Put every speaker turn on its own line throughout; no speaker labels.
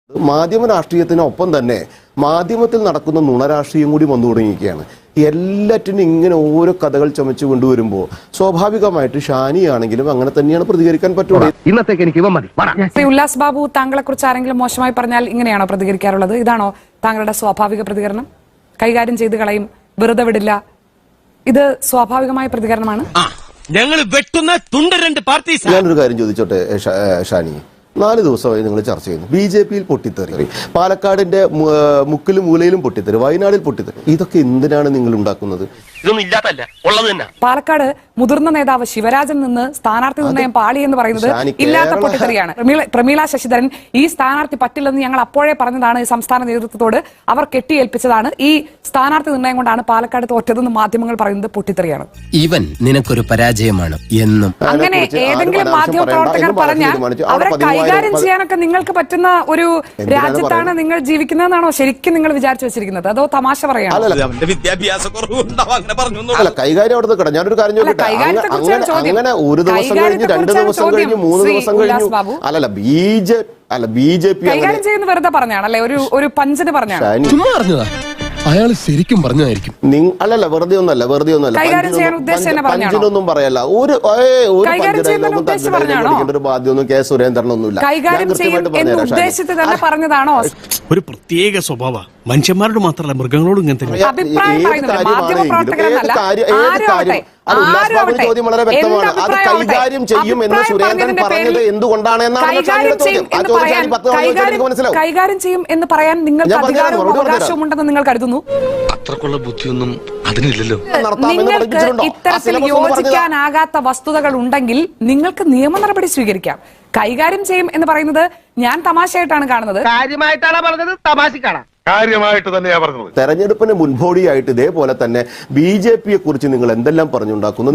മാധ്യമ രാഷ്ട്രീയത്തിനൊപ്പം തന്നെ മാധ്യമത്തിൽ നടക്കുന്ന നുണരാഷ്ട്രീയം കൂടി വന്നു തുടങ്ങിയിരിക്കുകയാണ്. എല്ലാറ്റിനും ഇങ്ങനെ ഓരോ കഥകൾ ചമച്ചു കൊണ്ടുവരുമ്പോൾ സ്വാഭാവികമായിട്ട് ഷാനിയാണെങ്കിലും അങ്ങനെ തന്നെയാണ് പ്രതികരിക്കാൻ പറ്റുള്ളൂ.
ഇന്നത്തേക്ക് എനിക്ക് ഇവ മതി.
ശ്രീ ഉല്ലാസ് ബാബു, താങ്കളെ കുറിച്ച് ആരെങ്കിലും മോശമായി പറഞ്ഞാൽ ഇങ്ങനെയാണോ പ്രതികരിക്കാറുള്ളത്? ഇതാണോ താങ്കളുടെ സ്വാഭാവിക പ്രതികരണം? കൈകാര്യം ചെയ്ത് കളയും, വെറുതെ വിടില്ല, ഇത് സ്വാഭാവികമായ പ്രതികരണമാണ്?
ഞങ്ങൾ വെട്ടുന്ന തുണ്ട രണ്ട് പാർട്ടി.
ഞാനൊരു കാര്യം ചോദിച്ചോട്ടെ ഷാനി, 4 ദിവസമായി നിങ്ങൾ ചർച്ച ചെയ്യുന്നു. BJP-യിൽ പൊട്ടിത്തെറി, പാലക്കാടിന്റെ മുക്കിലും മൂലയിലും പൊട്ടിത്തെറി, വയനാടിൽ പൊട്ടിത്തെറി. ഇതൊക്കെ എന്തിനാണ് നിങ്ങൾ ഉണ്ടാക്കുന്നത്?
ഇതൊന്നും ഇല്ലാത്തല്ല, ഉള്ളത് തന്നെ.
പാലക്കാട് മുതിർന്ന നേതാവ് ശിവരാജൻ നിന്ന് സ്ഥാനാർത്ഥി നിർണയം പാളി എന്ന് പറയുന്നത് ഇല്ലാത്ത പൊട്ടിത്തെറിയാണ്. പ്രമീള ശശിധരൻ ഈ സ്ഥാനാർത്ഥി പറ്റില്ലെന്ന് ഞങ്ങൾ അപ്പോഴേ പറഞ്ഞതാണ് സംസ്ഥാന നേതൃത്വത്തോട്. അവർ കെട്ടിയേൽപ്പിച്ചതാണ്. ഈ സ്ഥാനാർത്ഥി നിർണയം കൊണ്ടാണ് പാലക്കാട് തോറ്റതെന്ന് മാധ്യമങ്ങൾ പറയുന്നത് പൊട്ടിത്തെറിയാണ്.
ഇവൻ നിനക്കൊരു പരാജയമാണ് എന്നും.
അങ്ങനെ ഏതെങ്കിലും മാധ്യമ പ്രവർത്തകർ പറഞ്ഞാൽ അവരെ കൈകാര്യം ചെയ്യാനൊക്കെ നിങ്ങൾക്ക് പറ്റുന്ന ഒരു രാജ്യത്താണ് നിങ്ങൾ ജീവിക്കുന്നതെന്നാണോ ശരിക്കും നിങ്ങൾ വിചാരിച്ചു വെച്ചിരിക്കുന്നത്? അതോ തമാശ പറയാണ്?
അല്ല, കൈകാര്യം അവിടെ നിൽക്കട്ടെ. ഞാനൊരു കാര്യം ചോദിക്കട്ടെ. അങ്ങനെ 1 ദിവസം കഴിഞ്ഞ് 2 ദിവസം കഴിഞ്ഞ് 3 ദിവസം കഴിഞ്ഞു. അല്ലല്ല, BJP
കൈകാര്യം ചെയ്യുന്ന വെറുതെ പറഞ്ഞാണല്ലേ, ഒരു പഞ്ചിന് പറഞ്ഞാണ്.
അയാൾ ശരിക്കും പറഞ്ഞായിരിക്കും.
അല്ലല്ല, വെറുതെ ഒന്നല്ല പഞ്ചിനൊന്നും പറയല്ല. ഒരു ബാധ്യമൊന്നും കെ സുരേന്ദ്രനൊന്നുമില്ല.
പറഞ്ഞതാണോ?
ഒരു പ്രത്യേക സ്വഭാവ മനുഷ്യന്മാരോട് മാത്രമല്ല, മൃഗങ്ങളോടും ഇങ്ങനെ തന്നെ.
ചോദ്യം വളരെ വ്യക്തമാണ്. അത് കൈകാര്യം ചെയ്യും എന്ന് സുരേന്ദ്രൻ പറഞ്ഞത് എന്തുകൊണ്ടാണ് എന്നാണ് ചോദ്യം. ആ ചോദ്യം 10 തവണ മനസ്സിലാവും.
കൈകാര്യം ചെയ്യും എന്ന് പറയാൻ നിങ്ങൾക്ക് അധികാരവും അവകാശവും ഉണ്ടെന്ന് നിങ്ങൾ കരുതുന്നു?
അത്രക്കുള്ള ബുദ്ധിയൊന്നും അതിനില്ലല്ലോ.
നിങ്ങൾക്ക് ഇത്തരത്തിൽ യോജിക്കാനാകാത്ത വസ്തുതകൾ ഉണ്ടെങ്കിൽ നിങ്ങൾക്ക് നിയമ നടപടി സ്വീകരിക്കാം. കൈകാര്യം ചെയ്യും എന്ന് പറയുന്നത് ഞാൻ തമാശയായിട്ടാണ് കാണുന്നത്.
കാര്യമായിട്ടാണ് പറഞ്ഞത്, തമാശക്കാണ്.
കാര്യമായിട്ട് തന്നെയാ പറഞ്ഞത്.
തെരഞ്ഞെടുപ്പിന് മുൻപോടിയായിട്ട് ഇതേപോലെ തന്നെ BJP-യെ കുറിച്ച് നിങ്ങൾ എന്തെല്ലാം പറഞ്ഞുണ്ടാക്കുന്നു?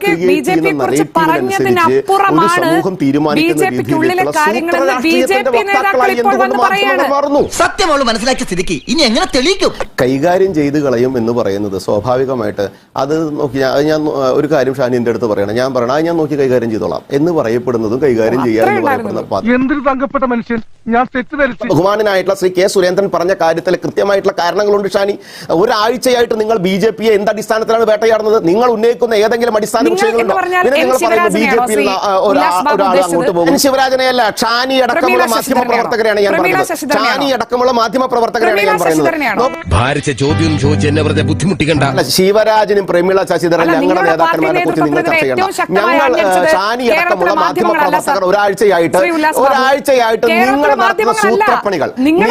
സത്യം അവള് മനസ്സിലാക്കിയ സ്ഥിതിക്ക് ഇനി എങ്ങനെ തെളിയിക്കും?
കൈകാര്യം ചെയ്ത് കളയും എന്ന് പറയുന്നത് സ്വാഭാവികമായിട്ട് അത് നോക്കി ഞാൻ ഒരു കാര്യം ഷാനിന്റെ അടുത്ത് പറയണം. ഞാൻ പറയണം, ഞാൻ നോക്കി കൈകാര്യം ചെയ്തോളാം എന്ന് പറയപ്പെടുന്നതും കൈകാര്യം ചെയ്യാൻ
എന്തൊരു തങ്കപ്പെട്ട മനുഷ്യൻ. ഞാൻ തെറ്റിദ്ധരിച്ചു.
ബഹുമാനായിട്ടുള്ള ശ്രീ കെ സുരേന്ദ്രൻ പറഞ്ഞ കാര്യത്തിൽ കൃത്യമായിട്ടുള്ള കാരണങ്ങളുണ്ട് ഷാനി. ഒരാഴ്ചയായിട്ട് നിങ്ങൾ BJP-യെ എന്ത് അടിസ്ഥാനത്തിലാണ് വേട്ടയാടുന്നത്? നിങ്ങൾ ഉന്നയിക്കുന്ന ഏതെങ്കിലും അടിസ്ഥാന വിഷയങ്ങളുണ്ടോ? നിങ്ങൾ പറയുന്നത് BJP-യിൽ ഒരാൾ അങ്ങോട്ട് പോകും. ശിവരാജനെയല്ല, ഷാനി അടക്കമുള്ള മാധ്യമ പ്രവർത്തകരെയാണ് ഞാൻ പറയുന്നത്. ഷാനി അടക്കമുള്ള മാധ്യമ പ്രവർത്തകരെയാണ് ഞാൻ പറയുന്നത്.
ഭാരിച്ച ചോദ്യം ചോദിച്ച് എന്നെ വെറുതെ ബുദ്ധിമുട്ടിക്കണ്ട.
ശിവരാജനും പ്രമീള ശശിധരൻ ഞങ്ങളുടെ നേതാക്കന്മാരെ കുറിച്ച് നിങ്ങൾ ചർച്ച ചെയ്യണം. ഞങ്ങൾ ഷാനി അടക്കമുള്ള മാധ്യമ പ്രവർത്തകർ ഒരാഴ്ചയായിട്ട് നിങ്ങൾ നടത്തുന്ന സൂത്രപ്പണികൾ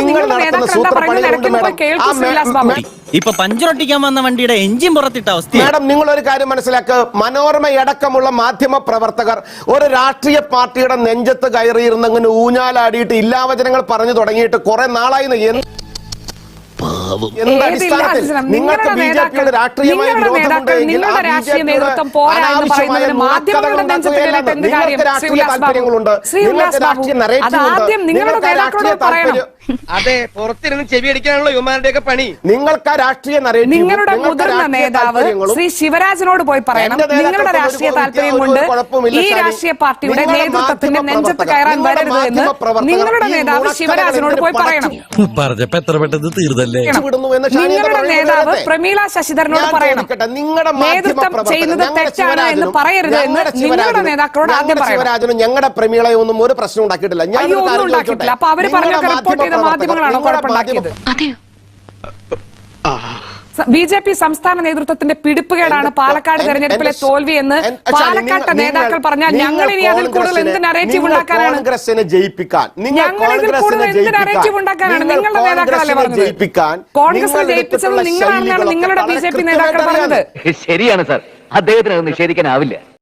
ഇപ്പൊ പഞ്ചറൊട്ടിക്കാൻ വന്ന വണ്ടിയുടെ എഞ്ചിൻ പുറത്തിട്ട അവസ്ഥ.
മാഡം, നിങ്ങൾ ഒരു കാര്യം മനസ്സിലാക്കുക. മനോരമയടക്കമുള്ള മാധ്യമ പ്രവർത്തകർ ഒരു രാഷ്ട്രീയ പാർട്ടിയുടെ നെഞ്ചത്ത് കയറിയിരുന്ന് അങ്ങനെ ഊഞ്ഞാലാടിയിട്ട് ഇല്ലാവചനങ്ങൾ പറഞ്ഞു തുടങ്ങിയിട്ട് കുറെ നാളായി. നിങ്ങൾക്ക് BJP-യുടെ രാഷ്ട്രീയമായ വിരോധമുണ്ടെങ്കിൽ രാഷ്ട്രീയ താല്പര്യങ്ങളുണ്ട്, നിങ്ങൾക്ക് രാഷ്ട്രീയ നരേറ്റീവ്.
അതെ, പുറത്തിരുന്ന് ചെവിയടിക്കാനുള്ള യുവമാരുടെയൊക്കെ പണി.
നിങ്ങൾക്ക് ആ രാഷ്ട്രീയ
നിങ്ങളുടെ മുതിർന്ന നേതാവ് ശ്രീ ശിവരാജനോട് പോയി പറയണം, നിങ്ങളുടെ രാഷ്ട്രീയ താല്പര്യം കൊണ്ട് ഈ രാഷ്ട്രീയ പാർട്ടിയുടെ നേതൃത്വത്തിന്റെ നെഞ്ചത്ത് കയറാൻ വരരുത് എന്ന് നിങ്ങളുടെ നേതാവ് ശിവരാജനോട് പോയി പറയണം.
പറഞ്ഞപ്പോ എത്ര പെട്ടെന്ന് തീർന്നല്ലേ?
നിങ്ങളുടെ നേതാവ് പ്രമീള ശശിധരനോട് പറയണം, നേതൃത്വം ചെയ്യുന്നത് തെറ്റാണ് എന്ന് പറയരുത് എന്ന് നിങ്ങളുടെ നേതാക്കളോട് ആദ്യം പറയണം.
ശിവരാജനും ഞങ്ങളുടെ പ്രമീളയൊന്നും ഒരു പ്രശ്നം ഉണ്ടാക്കിയിട്ടില്ല.
ഒന്നും ഉണ്ടാക്കിയിട്ടില്ല. അപ്പൊ അവര് പറഞ്ഞൊക്കെ റിപ്പോർട്ട് ചെയ്ത മാധ്യമങ്ങളാണോ കുഴപ്പമുണ്ടാക്കിയത്? BJP സംസ്ഥാന നേതൃത്വത്തിന്റെ പിടിപ്പുകേടാണ് പാലക്കാട് തെരഞ്ഞെടുപ്പിലെ തോൽവി എന്ന് പാലക്കാട്ടെ നേതാക്കൾ പറഞ്ഞാൽ ഞങ്ങൾ ഇനി അതിൽ കൂടുതൽ എന്ത് നരേറ്റീവ് ഉണ്ടാക്കാനാണ്? ഞങ്ങൾ ഇതിൽ കൂടുതൽ എന്ത് നരേറ്റീവ് ഉണ്ടാക്കാനാണ്? നിങ്ങളുടെ നേതാക്കളല്ലേ പറഞ്ഞത്? കോൺഗ്രസിനെ ജയിപ്പിച്ചത് നിങ്ങളാണെന്നാണ് നിങ്ങളുടെ BJP നേതാക്കൾ പറഞ്ഞത്.
ശരിയാണ് സാർ, അദ്ദേഹത്തിന് അത് നിഷേധിക്കാനാവില്ല.